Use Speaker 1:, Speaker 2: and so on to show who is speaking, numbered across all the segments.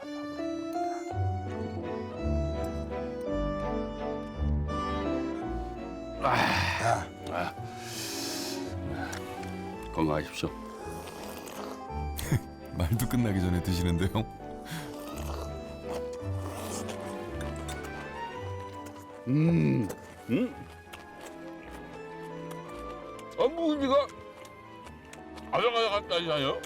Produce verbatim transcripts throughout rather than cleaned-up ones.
Speaker 1: 아,
Speaker 2: 아, 건강하십시오.
Speaker 3: 말도 끝나기 전에 드시는데요.
Speaker 2: 음, 음. 아, 무지가 아삭아삭하다니까요.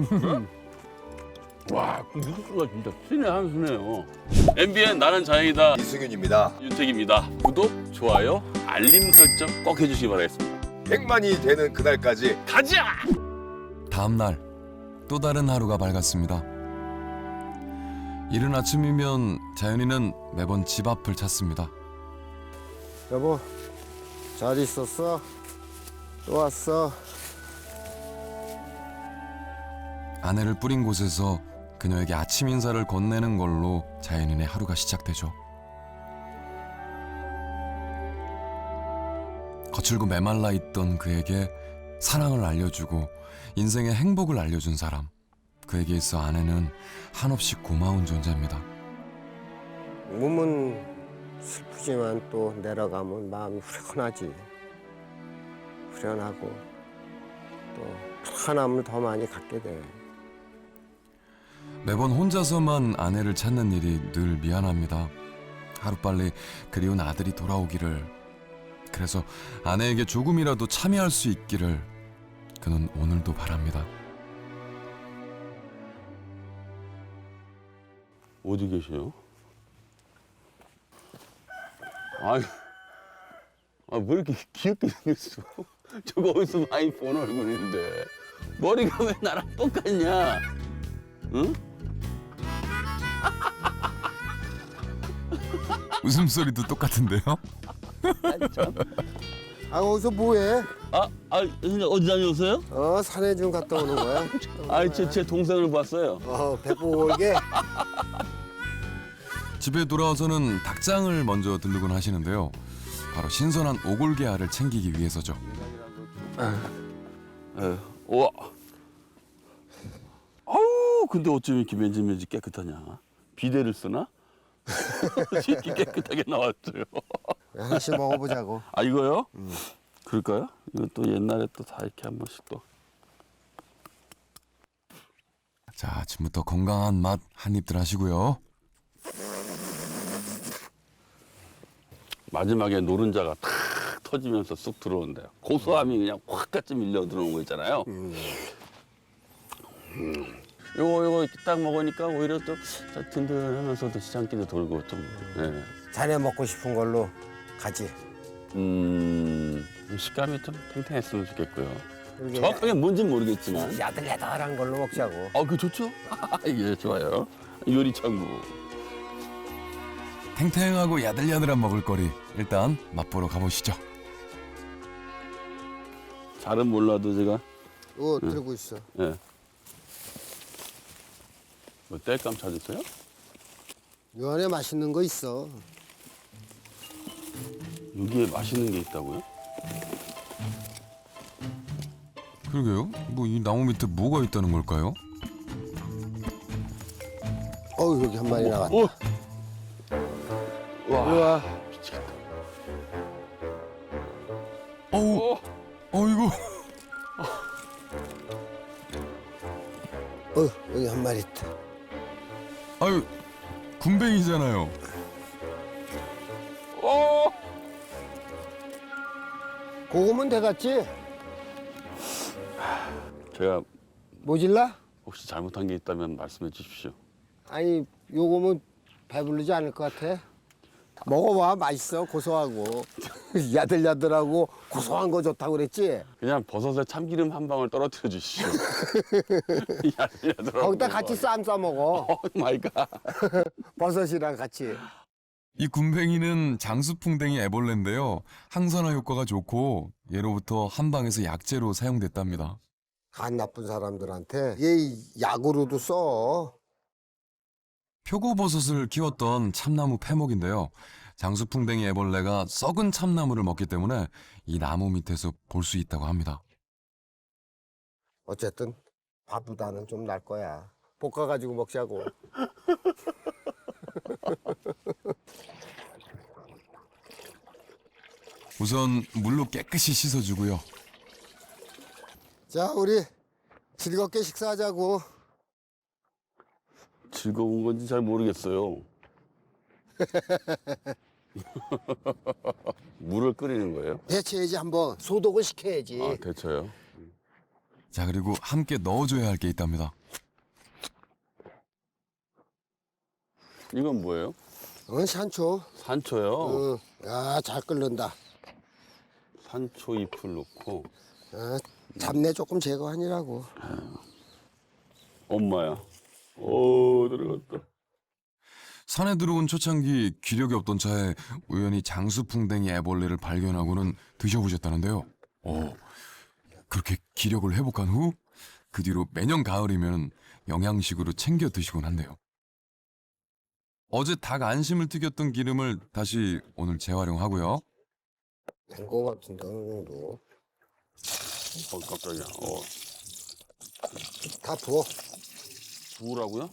Speaker 2: 와, 그 육수가 진짜 신의 한 수네요. 엠비엔 나는 자연이다.
Speaker 1: 이승윤입니다.
Speaker 2: 윤택입니다. 구독, 좋아요, 알림 설정 꼭 해주시기 바라겠습니다.
Speaker 1: 백만이 되는 그날까지
Speaker 2: 가자!
Speaker 3: 다음 날 또 다른 하루가 밝았습니다. 이른 아침이면 자연이는 매번 집 앞을 찾습니다.
Speaker 4: 여보, 잘 있었어? 또 왔어?
Speaker 3: 아내를 뿌린 곳에서 그녀에게 아침 인사를 건네는 걸로 자연인의 하루가 시작되죠. 거칠고 메말라 있던 그에게 사랑을 알려주고 인생의 행복을 알려준 사람, 그에게 있어 아내는 한없이 고마운 존재입니다.
Speaker 4: 몸은 슬프지만 또 내려가면 마음이 후련하지. 후련하고 또 편함을 더 많이 갖게 돼.
Speaker 3: 매번 혼자서만 아내를 찾는 일이 늘 미안합니다. 하루빨리 그리운 아들이 돌아오기를, 그래서 아내에게 조금이라도 참여할 수 있기를 그는 오늘도 바랍니다.
Speaker 2: 어디 계세요? 아이, 아, 왜 이렇게 귀엽게 생겼어? 저거 어디서 많이 본 얼굴인데. 머리가 왜 나랑 똑같냐? 응?
Speaker 3: 웃음소리도 똑같은데요?
Speaker 2: 아니, 참.
Speaker 4: 아, 거기서 뭐해?
Speaker 2: 아, 아, 선생님 어디 다녀오세요?
Speaker 4: 어, 산에 좀 갔다 오는 거야?
Speaker 2: 아, 제, 제 동생을 봤어요.
Speaker 4: 어, 배꼽 올게.
Speaker 3: 집에 돌아와서는 닭장을 먼저 들르곤 하시는데요. 바로 신선한 오골계 알을 챙기기 위해서죠.
Speaker 2: 에휴, 우와. 아우, 근데 어쩜 이렇게 맨질맨질 깨끗하냐? 비데를 쓰나? 이렇게 깨끗하게 나왔어요.
Speaker 4: 하나씩 먹어보자고.
Speaker 2: 아, 이거요? 그럴까요? 이거 또 옛날에 또 다 이렇게 한 번씩 또.
Speaker 3: 자, 아침부터 건강한 맛 한 입들 하시고요.
Speaker 2: 마지막에 노른자가 탁 터지면서 쑥 들어온대요. 고소함이 그냥 확 같이 밀려 들어오는 거 있잖아요. 음. 요거 요거 이렇게 딱 먹으니까 오히려 또 든든하면서도 시장기도 돌고 좀. 네.
Speaker 4: 자네 먹고 싶은 걸로 가지.
Speaker 2: 음, 식감이 좀 탱탱했으면 좋겠고요.
Speaker 4: 이렇게
Speaker 2: 정확하게 뭔지는 모르겠지만.
Speaker 4: 야들야들한 걸로 먹자고.
Speaker 2: 아, 그 좋죠? 예, 좋아요. 요리 천국.
Speaker 3: 탱탱하고 야들야들한 먹을거리, 일단 맛보러 가보시죠.
Speaker 2: 잘은 몰라도 제가
Speaker 4: 이거 들고 있어.
Speaker 2: 예. 뭐 땔감 찾으세요?
Speaker 4: 요 안에 맛있는 거 있어.
Speaker 2: 여기에 맛있는 게 있다고요?
Speaker 3: 그러게요. 뭐 이 나무 밑에 뭐가 있다는 걸까요?
Speaker 4: 어우, 여기 한 마리 나왔다.
Speaker 2: 어? 와,
Speaker 4: 우와.
Speaker 2: 미치겠다.
Speaker 3: 어우,
Speaker 2: 어?
Speaker 3: 어이구.
Speaker 4: 어, 여기 한 마리 있다.
Speaker 3: 아유, 군뱅이잖아요.
Speaker 2: 어?
Speaker 4: 고구면 돼갔지?
Speaker 2: 제가
Speaker 4: 모질라?
Speaker 2: 혹시 잘못한 게 있다면 말씀해 주십시오.
Speaker 4: 아니, 요거면 배부르지 않을 것 같아. 먹어봐, 맛있어, 고소하고. 야들야들하고 고소한 거 좋다고 그랬지?
Speaker 2: 그냥 버섯에 참기름 한 방울 떨어뜨려 주시죠.
Speaker 4: 거기다 같이 쌈 싸 먹어.
Speaker 2: 오 마이 갓.
Speaker 4: 버섯이랑 같이.
Speaker 3: 이 군뱅이는 장수풍뎅이 애벌레인데요. 항산화 효과가 좋고 예로부터 한방에서 약재로 사용됐답니다.
Speaker 4: 간 나쁜 사람들한테 얘 약으로도 써.
Speaker 3: 표고버섯을 키웠던 참나무 패목인데요. 장수풍뎅이 애벌레가 썩은 참나무를 먹기 때문에 이 나무 밑에서 볼 수 있다고 합니다.
Speaker 4: 어쨌든 밥보다는 좀 날 거야. 볶아가지고 먹자고.
Speaker 3: 우선 물로 깨끗이 씻어주고요.
Speaker 4: 자, 우리 즐겁게 식사하자고.
Speaker 2: 즐거운 건지 잘 모르겠어요. 물을 끓이는 거예요?
Speaker 4: 데쳐야지 한번 소독을 시켜야지.
Speaker 2: 아, 데쳐요?
Speaker 3: 자, 그리고 함께 넣어줘야 할 게 있답니다.
Speaker 2: 이건 뭐예요?
Speaker 4: 어, 산초.
Speaker 2: 산초요?
Speaker 4: 응. 야, 잘 끓는다.
Speaker 2: 산초 잎을 넣고.
Speaker 4: 아, 잡내 조금 제거하니라고.
Speaker 2: 엄마야. 오, 들어갔다.
Speaker 3: 산에 들어온 초창기 기력이 없던 차에 우연히 장수풍뎅이 애벌레를 발견하고는 드셔보셨다는데요. 오, 그렇게 기력을 회복한 후 그 뒤로 매년 가을이면 영양식으로 챙겨 드시곤 한대요. 어제 닭 안심을 튀겼던 기름을 다시 오늘 재활용하고요.
Speaker 4: 된거 같은데 어느 정도.
Speaker 2: 어, 깜짝이야. 어,
Speaker 4: 다 부어.
Speaker 2: 부으라고요?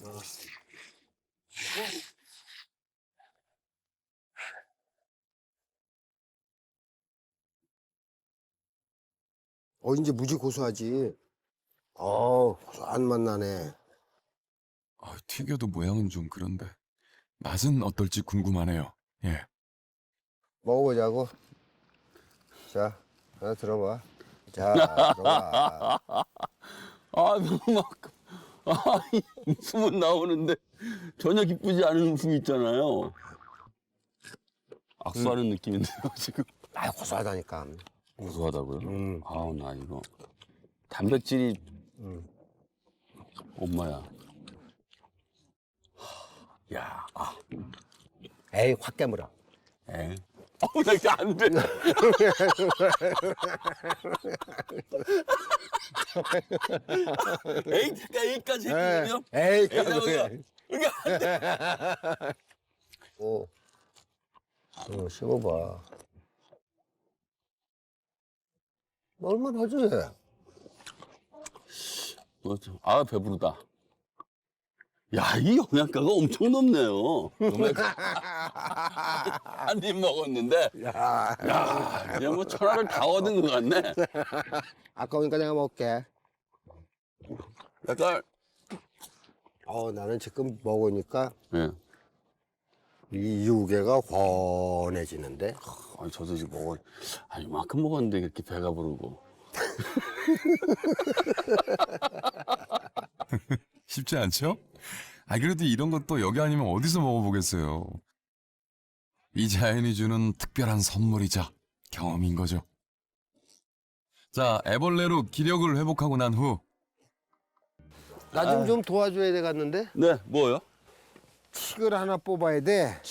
Speaker 4: 어, 이제 무지 고소하지. 어, 고소한 맛 나네.
Speaker 3: 아, 튀겨도 모양은 좀 그런데 맛은 어떨지 궁금하네요. 예.
Speaker 4: 먹어보자고. 자, 하나 들어봐. 자, 들어봐.
Speaker 2: 아, 너무 막, 아, 이 웃음은 나오는데 전혀 기쁘지 않은 웃음 있잖아요. 악수하는 느낌인데요, 지금.
Speaker 4: 아, 고소하다니까.
Speaker 2: 고소하다고요?
Speaker 4: 음.
Speaker 2: 아우, 나 이거. 단백질이,
Speaker 4: 음.
Speaker 2: 엄마야. 야, 아,
Speaker 4: 에이, 확 깨물어.
Speaker 2: 에. 어우, 나 이제 안 돼. 에이, 그러니까 여기까지 했거든요.
Speaker 4: 에이,
Speaker 2: 에이다고요.
Speaker 4: 까불어.
Speaker 2: 그러니까
Speaker 4: 오. 어, 씹어봐. 얼마나 하지?
Speaker 2: 그렇죠. 아, 배부르다. 야, 이 영양가가 엄청 높네요. 한 입 먹었는데,
Speaker 4: 야,
Speaker 2: 야, 그냥 뭐 천하를 다 얻은 것 같네.
Speaker 4: 아까우니까 내가 먹을게.
Speaker 2: 약간,
Speaker 4: 어, 나는 지금 먹으니까
Speaker 2: 예.
Speaker 4: 이 유개가 훤해지는데.
Speaker 2: 아니, 저도 지금 먹어, 아니, 이만큼 먹었는데 이렇게 배가 부르고.
Speaker 3: 쉽지 않죠? 아, 그래도 이런 것도 여기 아니면 어디서 먹어보겠어요. 이 자연이 주는 특별한 선물이자 경험인 거죠. 자, 애벌레로 기력을 회복하고 난 후
Speaker 4: 나 좀 좀 도와줘야 되겠는데?
Speaker 2: 네, 뭐요?
Speaker 4: 칡을 하나 뽑아야 돼.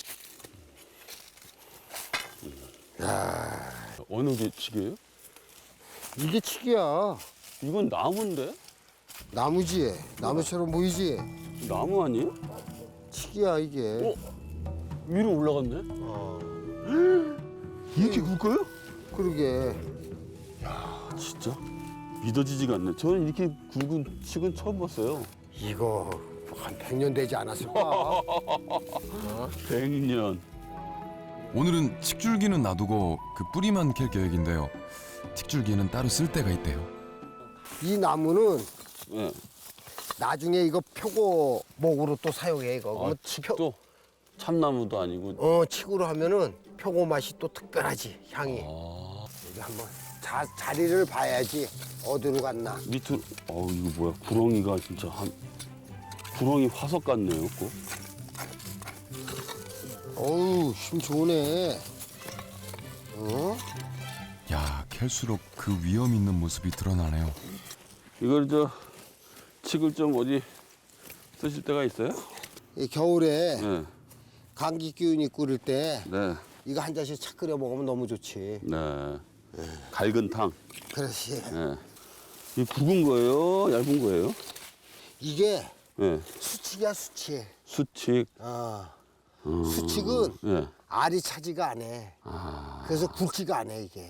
Speaker 2: 어느 게 치게요?
Speaker 4: 이게 칡이야.
Speaker 2: 이건 나무인데?
Speaker 4: 나무지? 나무처럼 보이지?
Speaker 2: 나무 아니에요?
Speaker 4: 칡이야, 이게.
Speaker 2: 어? 위로 올라갔네?
Speaker 4: 어.
Speaker 2: 이렇게 굵어요?
Speaker 4: 그러게.
Speaker 2: 아, 진짜? 믿어지지가 않네. 저는 이렇게 굵은 칡은 처음 봤어요.
Speaker 4: 이거 한 백 년 되지 않았을까?
Speaker 2: 백 년.
Speaker 3: 오늘은 칡줄기는 놔두고 그 뿌리만 캘 계획인데요. 칡줄기는 따로 쓸 때가 있대요.
Speaker 4: 이 나무는
Speaker 2: 예.
Speaker 4: 나중에 이거 표고 목으로 또 사용해, 이거.
Speaker 2: 아,
Speaker 4: 그러면
Speaker 2: 칡도 참나무도 아니고.
Speaker 4: 어, 칡으로 하면은 표고 맛이 또 특별하지, 향이.
Speaker 2: 아,
Speaker 4: 여기 한번 자, 자리를 봐야지 어디로 갔나.
Speaker 2: 밑으로. 어우, 이거 뭐야. 구렁이가 진짜 한. 구렁이 화석 같네요, 꼭.
Speaker 4: 어우, 힘 좋네. 어?
Speaker 3: 야, 캘수록 그 위험 있는 모습이 드러나네요.
Speaker 2: 이걸 저, 칡을 좀 어디 쓰실 때가 있어요?
Speaker 4: 이 겨울에
Speaker 2: 네.
Speaker 4: 감기 기운이 끓을 때
Speaker 2: 네.
Speaker 4: 이거 한 잔씩 착 끓여 먹으면 너무 좋지.
Speaker 2: 네. 갈근 탕.
Speaker 4: 그렇지.
Speaker 2: 네. 이 굵은 거예요? 얇은 거예요?
Speaker 4: 이게
Speaker 2: 네.
Speaker 4: 수칙이야, 수칙.
Speaker 2: 수칙.
Speaker 4: 어.
Speaker 2: 음.
Speaker 4: 수칙은
Speaker 2: 네.
Speaker 4: 알이 차지가 안 해.
Speaker 2: 아.
Speaker 4: 그래서 굵지가 않아, 이게.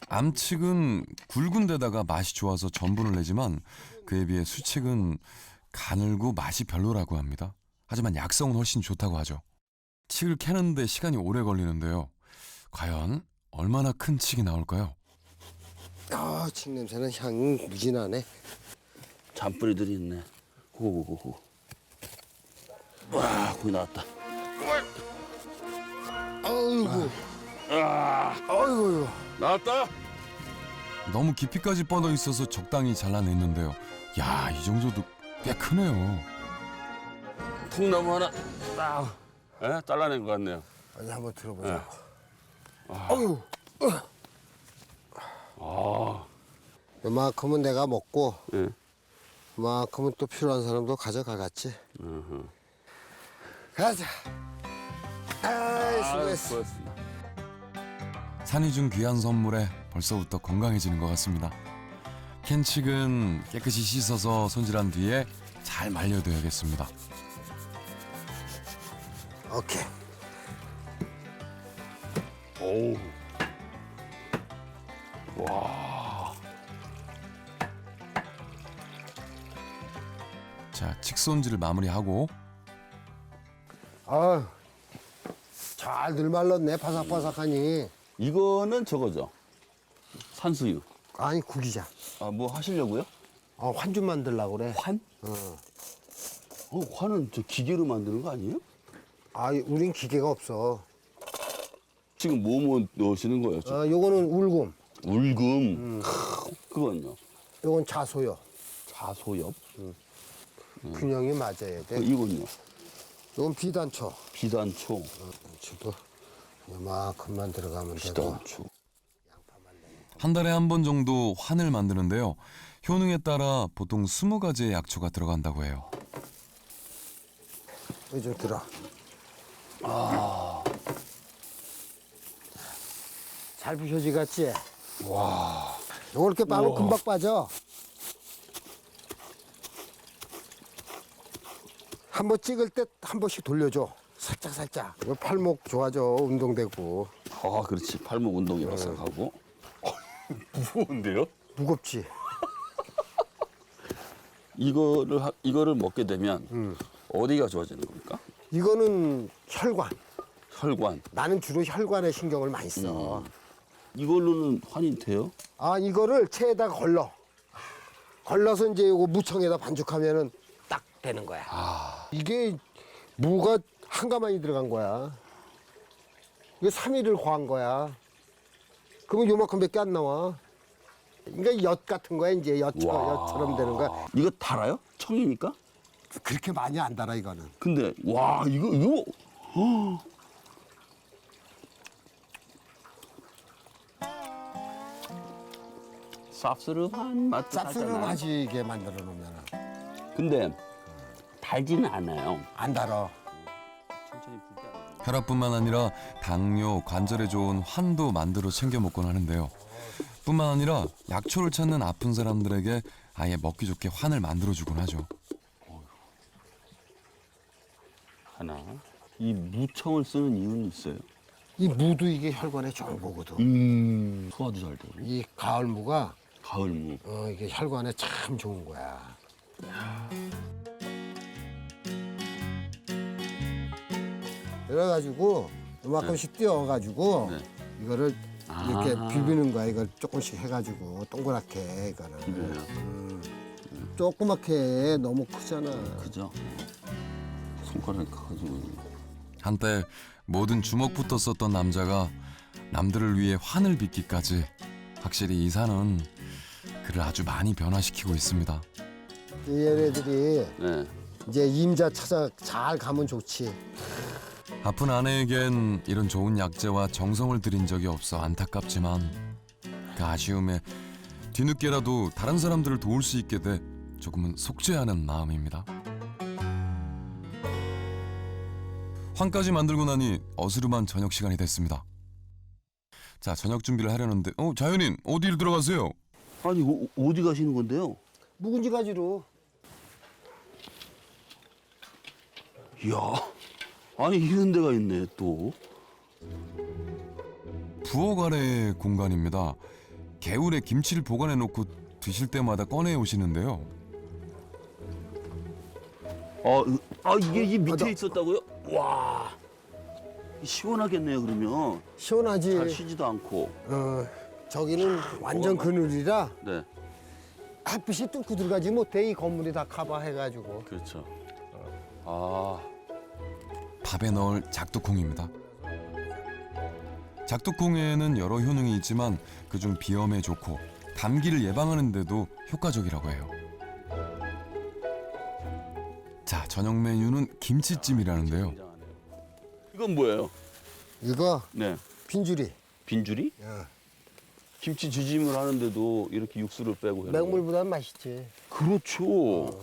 Speaker 3: 암칡은 굵은 데다가 맛이 좋아서 전분을 내지만 그에 비해 수칡은 가늘고 맛이 별로라고 합니다. 하지만 약성은 훨씬 좋다고 하죠. 칡을 캐는데 시간이 오래 걸리는데요. 과연 얼마나 큰 칡이 나올까요?
Speaker 4: 아, 칡 냄새는 향 무진하네.
Speaker 2: 잔뿌리들이 있네. 고고고고. 와, 거기 나왔다.
Speaker 4: 아이고,
Speaker 2: 아,
Speaker 4: 아이고.
Speaker 2: 나왔다.
Speaker 3: 너무 깊이까지 뻗어 있어서 적당히 잘라냈는데요. 야, 이 정도도 꽤 크네요.
Speaker 2: 통나무 하나 딱 예? 잘라낸 것 같네요.
Speaker 4: 아니, 한번 들어보자.
Speaker 2: 아.
Speaker 4: 아유,
Speaker 2: 아,
Speaker 4: 이만큼은 내가 먹고,
Speaker 2: 예.
Speaker 4: 이만큼은 또 필요한 사람도 가져가겠지.
Speaker 2: 으흠.
Speaker 4: 가자. 아이,
Speaker 2: 아,
Speaker 4: 수고했어.
Speaker 2: 수고했습니다.
Speaker 3: 산이 준 귀한 선물에 벌써부터 건강해지는 것 같습니다. 캔 칡은 깨끗이 씻어서 손질한 뒤에 잘 말려둬야겠습니다.
Speaker 4: 오케이.
Speaker 2: 오. 와.
Speaker 3: 자, 칡 손질을 마무리하고
Speaker 4: 아, 잘들 말랐네, 바삭바삭하니.
Speaker 2: 이거는 저거죠. 산수유.
Speaker 4: 아니, 구기자.
Speaker 2: 아, 뭐 하시려고요?
Speaker 4: 어, 환좀 만들려고 그래.
Speaker 2: 환?
Speaker 4: 어.
Speaker 2: 어, 환은 저 기계로 만드는 거 아니에요?
Speaker 4: 아, 우린 기계가 없어.
Speaker 2: 지금 뭐 뭐 넣으시는 거예요? 지금?
Speaker 4: 어, 요거는 울금,
Speaker 2: 울금. 크, 그건요.
Speaker 4: 요건 자소요.
Speaker 2: 자소엽.
Speaker 4: 균형이 맞아야
Speaker 2: 어,
Speaker 4: 돼.
Speaker 2: 이건요.
Speaker 4: 요건 비단초.
Speaker 2: 비단초.
Speaker 4: 지도 요만큼만 들어가면 되고.
Speaker 2: 비단초.
Speaker 3: 한 달에 한 번 정도 환을 만드는데요. 효능에 따라 보통 스무 가지의 약초가 들어간다고 해요.
Speaker 4: 여기 좀 들어.
Speaker 2: 아.
Speaker 4: 잘 부셔지 같지? 와. 요거 이렇게 빠면 금방 빠져. 한 번 찍을 때 한 번씩 돌려줘. 살짝 살짝. 이거 팔목 좋아져. 운동되고.
Speaker 2: 아, 그렇지. 팔목 운동이라서 하고. 무거운데요?
Speaker 4: 무겁지?
Speaker 2: 이거를 하- 이거를 먹게 되면
Speaker 4: 음.
Speaker 2: 어디가 좋아지는 겁니까?
Speaker 4: 이거는 혈관.
Speaker 2: 혈관.
Speaker 4: 나는 주로 혈관에 신경을 많이 써.
Speaker 2: 이걸로는 환이 돼요?
Speaker 4: 아, 이거를 체에다 걸러. 걸러서 이제 이거 무청에다 반죽하면은 딱 되는 거야. 이게 무가 한 가마니 들어간 거야. 이게 삼 일을 과한 거야. 그러면 요만큼밖에 안 나와. 그러니까 엿 같은 거야, 이제 엿처럼,
Speaker 2: 와.
Speaker 4: 엿처럼 되는 거야.
Speaker 2: 이거 달아요? 청이니까?
Speaker 4: 그렇게 많이 안 달아, 이거는.
Speaker 2: 근데 와 이거 이거 어. 쌉스름한 맛도 살짝 나요.
Speaker 4: 쌉스름하지게 만들어 놓으면
Speaker 2: 근데 달지는 않아요.
Speaker 4: 안 달아.
Speaker 2: 천천히 붓게 안 돼요.
Speaker 3: 혈압뿐만 아니라 당뇨, 관절에 좋은 환도 만들어 챙겨 먹곤 하는데요. 뿐만 아니라 약초를 찾는 아픈 사람들에게 아예 먹기 좋게 환을 만들어주곤 하죠.
Speaker 2: 하나. 이 무청을 쓰는 이유는 있어요.
Speaker 4: 이 무도 이게 혈관에 좋은 거거든.
Speaker 2: 음. 소화도 잘 되고.
Speaker 4: 이 가을 무가
Speaker 2: 가을 무.
Speaker 4: 어, 이게 혈관에 참 좋은 거야. 그래가지고 이만큼씩 띄워가지고
Speaker 2: 네.
Speaker 4: 이거를 이렇게
Speaker 2: 아.
Speaker 4: 비비는 거야. 이걸 조금씩 해가지고 동그랗게 이거는.
Speaker 2: 비벼요.
Speaker 4: 조그맣게 해. 너무 크잖아.
Speaker 2: 그죠? 손가락이 커가지고.
Speaker 3: 한때 모든 주먹부터 썼던 남자가 남들을 위해 환을 빚기까지 확실히 이 산은 그를 아주 많이 변화시키고 있습니다.
Speaker 4: 얘네들이
Speaker 2: 네.
Speaker 4: 이제 임자 찾아 잘 가면 좋지.
Speaker 3: 아픈 아내에겐 이런 좋은 약재와 정성을 들인 적이 없어 안타깝지만 그 아쉬움에 뒤늦게라도 다른 사람들을 도울 수 있게 돼 조금은 속죄하는 마음입니다. 환까지 만들고 나니 어스름한 저녁 시간이 됐습니다. 자, 저녁 준비를 하려는데 어, 자연인 어디로 들어가세요?
Speaker 2: 아니 어, 어디 가시는 건데요?
Speaker 4: 묵은지 가지로.
Speaker 2: 이야. 아니 이런 데가 있네 또.
Speaker 3: 부엌 아래의 공간입니다. 개울에 김치를 보관해 놓고 드실 때마다 꺼내 오시는데요.
Speaker 2: 어, 으- 아 이게 이 밑에
Speaker 4: 아, 나-
Speaker 2: 있었다고요? 와, 시원하겠네요. 그러면
Speaker 4: 시원하지.
Speaker 2: 잘 쉬지도 않고.
Speaker 4: 어, 저기는 완전 그늘이라
Speaker 2: 네,
Speaker 4: 햇빛이 뚫고 들어가지 못해. 이 건물이 다 커버해가지고.
Speaker 2: 그렇죠. 아,
Speaker 3: 밥에 넣을 작두콩입니다. 작두콩에는 여러 효능이 있지만 그중 비염에 좋고 감기를 예방하는 데도 효과적이라고 해요. 자, 저녁 메뉴는 김치찜이라는데요.
Speaker 2: 굉장하네요. 이건 뭐예요?
Speaker 4: 이거
Speaker 2: 네,
Speaker 4: 빈줄이.
Speaker 2: 빈줄이?
Speaker 4: 어.
Speaker 2: 김치 지짐을 하는데도 이렇게 육수를 빼고 해요.
Speaker 4: 맹물보단 맛있지.
Speaker 2: 그렇죠.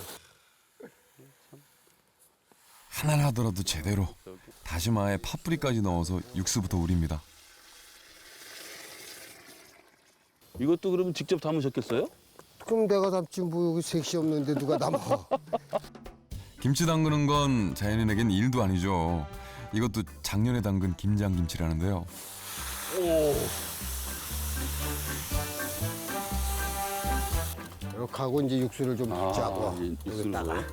Speaker 3: 하나 하더라도 제대로 다시마에 파뿌리까지 넣어서 육수부터 우립니다.
Speaker 2: 이것도 그러면 직접 담으셨겠어요?
Speaker 4: 그럼 내가 담지 뭐 여기 색시 없는데 누가 담아?
Speaker 3: 김치 담그는 건 자연인에겐 일도 아니죠. 이것도 작년에 담근 김장김치라는데요.
Speaker 4: 이렇게 하고 이제 육수를 좀
Speaker 2: 아,
Speaker 4: 짜고
Speaker 2: 이제 육수를
Speaker 4: 여기다가.
Speaker 2: 넣어요?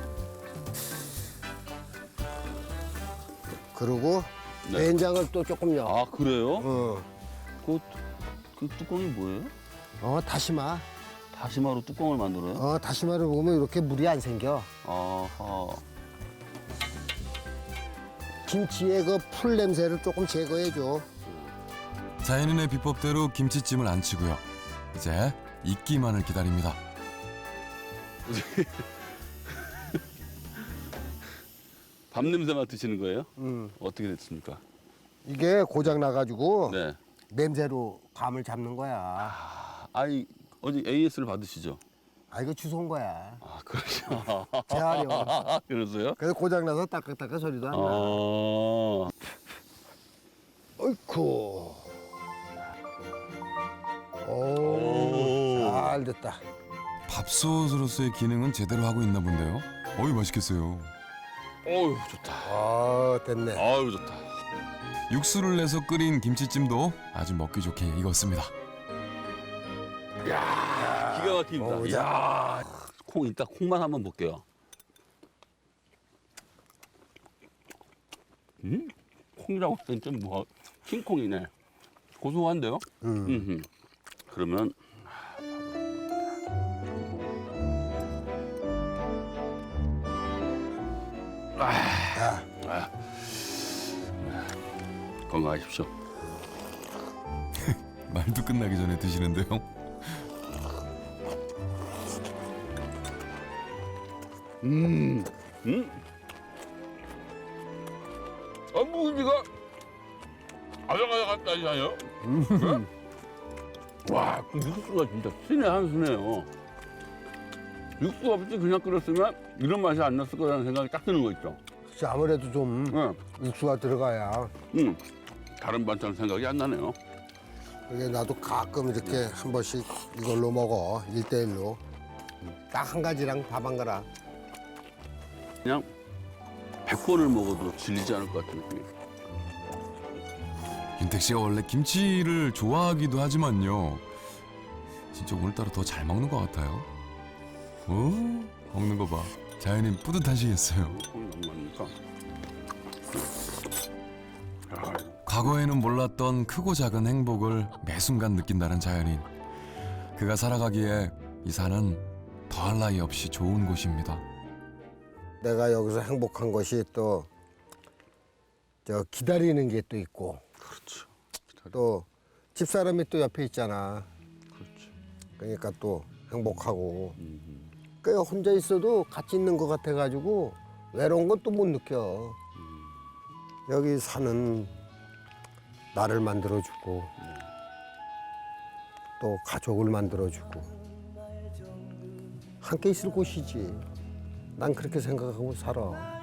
Speaker 4: 그리고
Speaker 2: 네.
Speaker 4: 된장을 또 조금 넣어.
Speaker 2: 아 그래요?
Speaker 4: 어,
Speaker 2: 그, 그 뚜껑이 뭐예요?
Speaker 4: 어 다시마.
Speaker 2: 다시마로 뚜껑을 만들어요?
Speaker 4: 어 다시마를 먹으면 이렇게 물이 안 생겨.
Speaker 2: 아하.
Speaker 4: 김치의 그 풀 냄새를 조금 제거해줘.
Speaker 3: 자연인의 비법대로 김치찜을 안 치고요. 이제 익기만을 기다립니다.
Speaker 2: 밥 냄새 맡으시는 거예요?
Speaker 4: 음.
Speaker 2: 어떻게 됐습니까?
Speaker 4: 이게 고장 나가지고
Speaker 2: 네.
Speaker 4: 냄새로 감을 잡는 거야.
Speaker 2: 아, 아니 어디 에이에스를 받으시죠?
Speaker 4: 아 이거 주소온 거야.
Speaker 2: 아 그러죠.
Speaker 4: 재활용.
Speaker 2: 그러세요?
Speaker 4: 그래서 고장 나서 따끈따끈 소리도 안 나.
Speaker 2: 아.
Speaker 4: 어이쿠. 오,
Speaker 2: 오.
Speaker 4: 잘 됐다.
Speaker 3: 밥솥으로서의 기능은 제대로 하고 있나 본데요. 어이 맛있겠어요.
Speaker 2: 어유 좋다.
Speaker 4: 아 됐네.
Speaker 2: 아유 좋다.
Speaker 3: 육수를 내서 끓인 김치찜도 아주 먹기 좋게 익었습니다.
Speaker 2: 기가 막힙니다.
Speaker 4: 먹어보자.
Speaker 2: 이야. 콩 이따 콩만 한번 볼게요. 음? 콩이라고 하면 좀 뭐 킹콩이네. 고소한데요?
Speaker 4: 음.
Speaker 2: 음흠. 그러면
Speaker 4: 야,
Speaker 2: 건강하십시오.
Speaker 3: 말도 끝나기 전에 드시는데요.
Speaker 2: 음. 음? 아, 무지가 아삭아삭하다니요. 음. 와, 그 육수가 진짜 신의 한 수네요. 육수 없이 그냥 끓였으면 이런 맛이 안 났을 거라는 생각이 딱 드는 거 있죠.
Speaker 4: 그치, 아무래도 좀
Speaker 2: 네.
Speaker 4: 육수가 들어가야.
Speaker 2: 음. 다른 반찬 생각이 안 나네요.
Speaker 4: 이게 나도 가끔 이렇게 한 번씩 이걸로 먹어. 일대일로. 딱 한 가지랑 밥 한 거랑.
Speaker 2: 그냥 백 번을 먹어도 질리지 않을 것 같은 느낌이.
Speaker 3: 윤택 씨가 원래 김치를 좋아하기도 하지만요. 진짜 오늘따라 더 잘 먹는 것 같아요. 오, 먹는 거 봐. 자연인 뿌듯하시겠어요.
Speaker 2: 콩이 너무 많으니까. 아,
Speaker 3: 과거에는 몰랐던 크고 작은 행복을 매 순간 느낀다는 자연인. 그가 살아가기에 이 산은 더할 나위 없이 좋은 곳입니다.
Speaker 4: 내가 여기서 행복한 것이 또 저 기다리는 게 또 있고
Speaker 2: 그렇죠. 기다려.
Speaker 4: 또 집사람이 또 옆에 있잖아.
Speaker 2: 그렇죠.
Speaker 4: 그러니까 또 행복하고.
Speaker 2: 음.
Speaker 4: 그 혼자 있어도 같이 있는 것 같아가지고 외로운 건 또 못 느껴. 여기 사는 나를 만들어주고 또 가족을 만들어주고 함께 있을 곳이지. 난 그렇게 생각하고 살아.